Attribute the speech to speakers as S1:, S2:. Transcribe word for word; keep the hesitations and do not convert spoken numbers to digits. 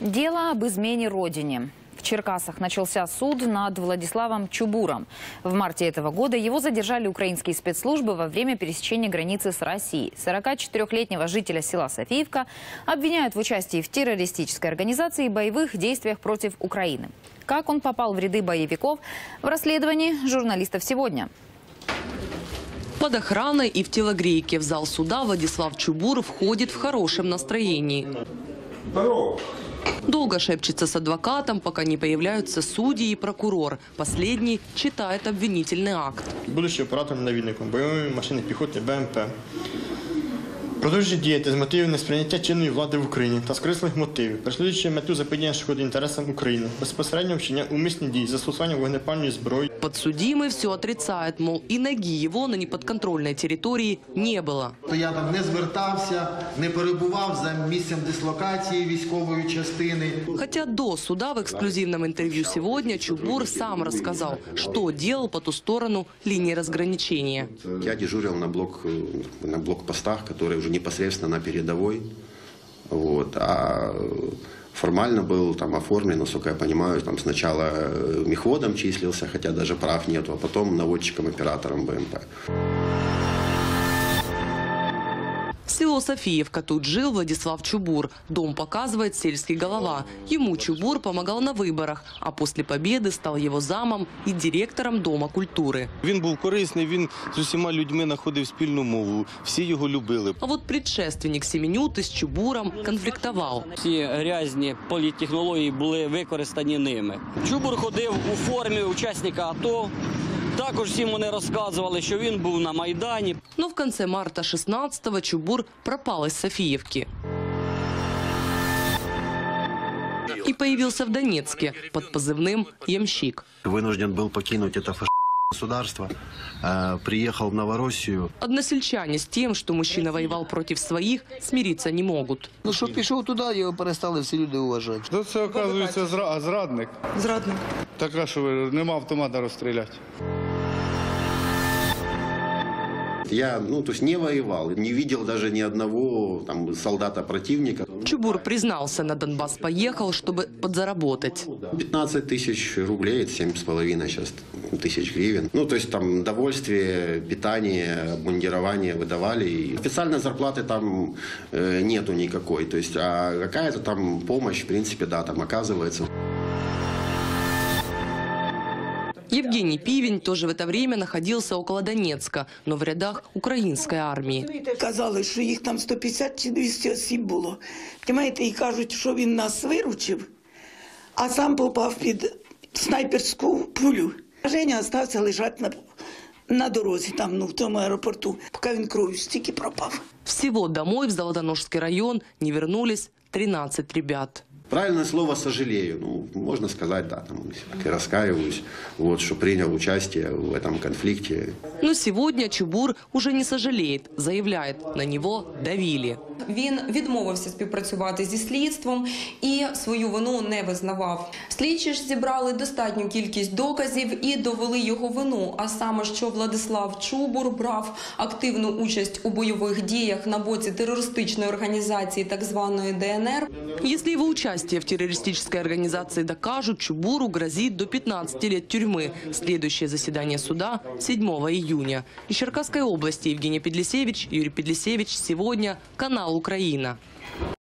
S1: Дело об измене родине. В Черкасах начался суд над Владиславом Чубуром. В марте этого года его задержали украинские спецслужбы во время пересечения границы с Россией. сорокачетырёхлетнего жителя села Софиевка обвиняют в участии в террористической организации и боевых действиях против Украины. Как он попал в ряды боевиков, в расследовании журналистов сегодня.
S2: Под охраной и в телогрейке в зал суда Владислав Чубур входит в хорошем настроении.
S3: Здорово.
S2: Долго шепчется с адвокатом, пока не появляются судьи и прокурор. Последний читает обвинительный акт.
S3: Будучи оператором-навідником бойової машини піхоти Б М П, продовжує діяти з мотивів несприйняття чинної влади в Україні та з корисних мотивів, переслідуючи мету заподіяння шкоди інтересам України, безпосередньо вчинення умисні дії, застосування вогнепальної зброї.
S2: Подсудимый все отрицает, мол, и ноги его на неподконтрольной территории не было.
S4: Я там не звертався, не перебував за місцем дислокації військової частини.
S2: Хотя до суда в эксклюзивном интервью сегодня Чубур сам рассказал, что делал по ту сторону линии разграничения.
S5: Я дежурил на, блок, на блокпостах, которые уже непосредственно на передовой. Вот, а формально был там оформлен, насколько я понимаю, там сначала мехводом числился, хотя даже прав нету, а потом наводчиком-оператором Б М П.
S2: Село Софиевка. Тут жил Владислав Чубур. Дом показывает сельский голова. Ему Чубур помогал на выборах, а после победы стал его замом и директором Дома культуры.
S6: Він був корисний, він з усіма людьми знаходив спільну мову, всі його любили.
S2: А вот предшественник Семенюты с Чубуром конфликтовал.
S7: Ці грязні політтехнології були використані ними. Чубур ходив у формі учасника АТО. Також всім вони розказували, що він був на Майдані.
S2: Но в конце марта шестнадцатого Чубур пропал из Софиевки и появился в Донецке под позывным «Ямщик».
S8: Вынужден был покинуть это фашистское государство, приехал в Новороссию.
S2: Односельчане с тем, что мужчина воевал против своих, смириться не могут.
S4: Ну що пішов туди, його перестали всі люди вважати.
S6: То це, оказується, зра... зрадник.
S2: Зрадник.
S6: Така, що нема автомата розстріляти.
S5: Я ну, то есть не воевал, не видел даже ни одного там, солдата противника.
S2: Чубур признался, на Донбасс поехал, чтобы подзаработать.
S5: пятнадцать тысяч рублей, это семь с половиной сейчас тысяч гривен. Ну, то есть там довольствие, питание, обмундирование выдавали. И официальной зарплаты там э, нету никакой. То есть, а какая-то там помощь, в принципе, да, там оказывается.
S2: Евгений Пивень тоже в это время находился около Донецка, но в рядах украинской армии.
S9: Казали, що їх там сто п'ятдесят чи двісті осіб було. Понимаєте, і кажуть, що він нас виручив, а сам попав під снайперську пулю. Женя залишився лежати на, на дорозі, там, ну, в тому аеропорту, поки він кров'ю стільки пропав.
S2: Всего домой в Золотоножский район не вернулись тринадцать ребят.
S5: Правильное слово «сожалею». Ну, можно сказать, да, там, я раскаиваюсь, вот, что принял участие в этом конфликте.
S2: Но сегодня Чубур уже не сожалеет, заявляет, на него давили.
S10: Він відмовився співпрацювати зі слідством і свою вину не визнавав. Слідчі ж зібрали достатню кількість доказів і довели його вину, а саме, що Владислав Чубур брав активну участь у бойових діях на боці терористичної організації так званої Д Н Р.
S2: Если его участие в террористической организации докажут, Чубуру грозит до пятнадцати лет тюрьмы. Следующее заседание суда седьмого июня. Из Черкасской области Евгений Педлисевич, Юрий Педлисевич. Сегодня канал «Украина».